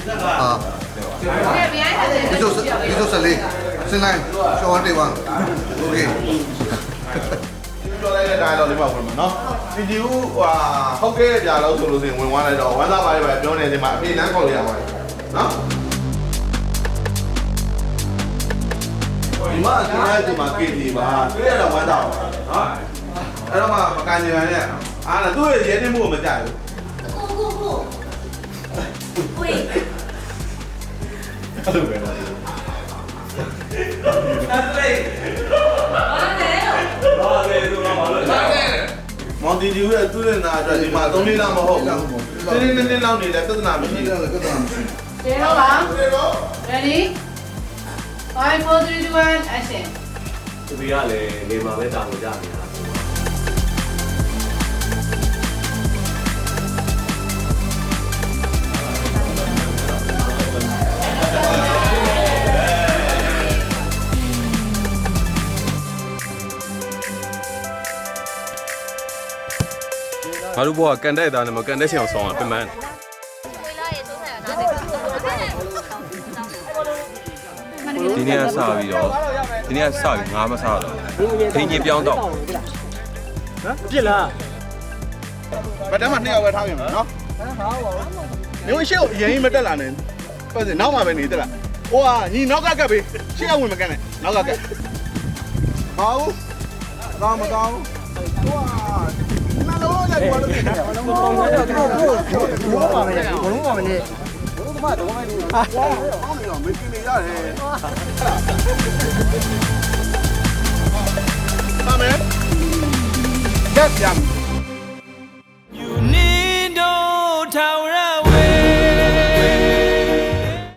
ဒီဆိုစလေးစင်လိုက်ရှောင်းတေးပါโอเคပြောလိုက်တဲ့တိုင်းတော့လေးပါဝင်မှာနော်ဒီဒီဦးဟုတ်ကဲ့ကြာလို့ဆိုလို့ဆိုရင်ဝင်သွားလိုက်တော့ဝမ်းသာပါလေပဲပြောနေတယ်မှာအပြေလမ်းခေါ်ရပါမယ်နော်ဒီမှာကျွန်တော်ဒီမှာကေတီပါတွေ့ရတော့ဝမ်းသာပါနော်အဲ့တော့မှမကန်နေရနဲ့အားလည်းသူ့ရဲ့ရဲနေမှုကိုမကြိုက်ဘူးဝေးအဲ့လိုပဲနော်မော်တီဒီရဲ့သူ့ရဲ့နာအတွက်ဒီမှာ3နှစ်လောက်မဟုတ်ဘူး။တင်းတင်းတင်းလောက်နေလဲပြဿနာမရှိဘူး။ပြဿနာမရှိဘူး။ကျေတော့ပါ Ready 5 4 3 2 1 action သူကလည်းနေမှာပဲတောင်းကြနေတာငါတို့ဘောကကန်တဲ့သားနဲ့မကန်တဲ့ချင်အောင်ဆောင်းတာပြင်မှန်းဒီနေ့ကစပြီးတော့ဒီနေ့ကစပြီးငါမစားတော့ခင်းကြီးပြောင်းတော့ပြစ်လား။ဗတ်တမ်းမှာ2ယောက်ပဲထားပြင်မယ်နော်။မျိုးရှေ့ကိုအရင်မတက်လာနဲ့။ပတ်စင်နောက်မှပဲနေတက်လာ။ဟိုကညီနောက်ကကပ်ပေး။ရှေ့ကဝင်မကန်နဲ့။နောက်ကကပ်။ဟောဦး။ကောင်းမကောင်း။ဟိုကနားလုံးလိုက်ပေါ်လို့နေတယ်။ဘလုံးပါမယ်။ဘလုံးပါမယ်။ဘလုံးပါမယ်။ဘလုံးသမားတော့မိုင်းလို့။ဟာ။အောင်းနေတော့မင်းနေရတယ်။ပါမယ်။ကပ်ပြန်